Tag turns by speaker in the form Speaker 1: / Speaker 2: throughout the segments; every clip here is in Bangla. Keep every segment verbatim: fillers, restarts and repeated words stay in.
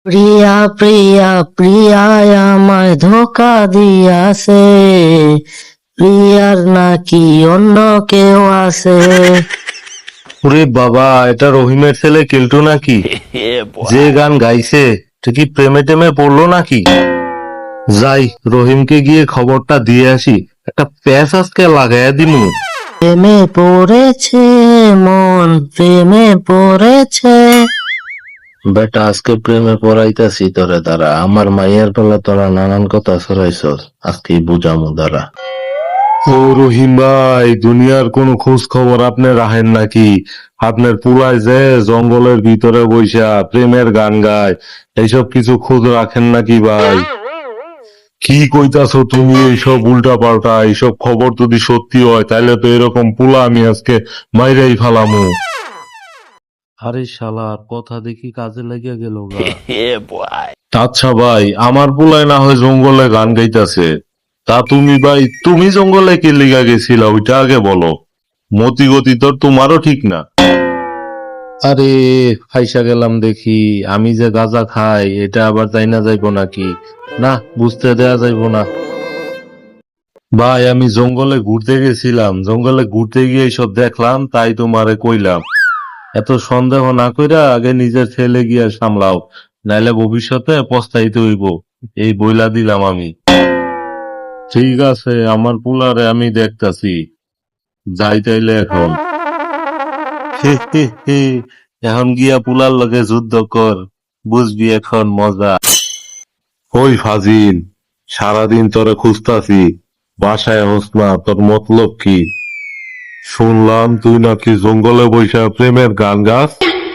Speaker 1: প্রিয়া প্রিয়া প্রিয়ায় আমায় ধোকা দিয়াছে, প্রিয়ার নাকি অন্য কেউ আছে।
Speaker 2: ওরে বাবা, এটা রহিমের ছেলে কেলটু নাকি? যে গান গাইছে এটা কি প্রেমে টেমে পড়লো নাকি? যাই, রহিমকে গিয়ে খবরটা দিয়ে আসি, একটা প্যাচ আজকে লাগাইয়া দিমু।
Speaker 1: প্রেমে পড়েছে মন, প্রেমে পড়েছে।
Speaker 2: বেটা, আজকে প্রেমে পড়াইতাছি তোরে, দাঁড়া। আমার মাইয়ার বেলা তোরা নানান কথা ছড়াইছস, আজকেই বুঝামু, দাঁড়া। ও রহিম ভাই, দুনিয়ার কোনো খোঁজ খবর আপনি রাখেন নাকি? আপনার পুলায় যে জঙ্গলের ভিতরে বইসা প্রেমের গান গায়, এইসব কিছু খোঁজ রাখেন নাকি ভাই? কি কইতাছো তুমি এইসব উল্টা পাল্টা? এইসব খবর যদি সত্যি হয় তাহলে তো এরকম পুলা আমি আজকে মাইরাই ফালামু। আরে শালার কথা দেখি কাজে লেগে গেল গা। আচ্ছা ভাই, আমার পুলায় না হয় জঙ্গলে গান গাইতাছে, তা তুমি ভাই, তুমি জঙ্গলে কে লিগা গেছিলা ওইটা আগে বলো। মতি গতি তো তোমারও ঠিক না। আরে ফাইসা গেলাম দেখি, আমি যে গাঁজা খাই এটা আবার তাই না যাইবো নাকি? না, বুঝতে দেয়া যাইবো না। ভাই, আমি জঙ্গলে ঘুরতে গেছিলাম, জঙ্গলে ঘুরতে গিয়ে সব দেখলাম, তাই তোমারে কইলাম। এত সন্দেহ না কইরা আগে নিজের ছেলে গিয়া সামলাও, নাইলে ভবিষ্যতে পস্তাইতে হইব, এই বইলা দিলাম আমি। ঠিক আছে, আমার পুলারে আমি দেখতাছি, যাই তাইলে এখন। হে হে হে, এখন গিয়া পুলার লগে যুদ্ধ কর, বুঝবি এখন মজা। ওই ফাজিল, সারাদিন তোরে খুঁজতাছি, বাসায় হোস না, তোর মতলব কি? শুনলাম তুই নাকি জঙ্গলে বৈশা প্রেমের গান গাস।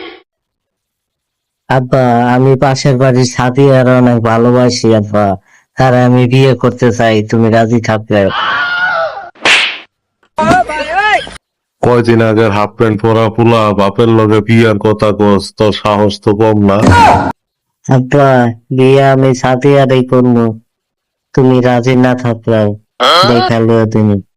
Speaker 1: আব্বা, আমি পাশের বাড়ির সাথীরা অনেক ভালোবাসি আব্বা, তার আমি বিয়ে করতে চাই, তুমি রাজি থাকলে।
Speaker 2: কয়দিন আগের হাফ প্যান্ট পরা পুলা বাপের লগে বিয়ার কথা কস, তোর সাহস তো কম না।
Speaker 1: আব্বা, বিয়ে আমি সাথীরাই করবো, তুমি রাজি না থাকলে দেখালো তুমি।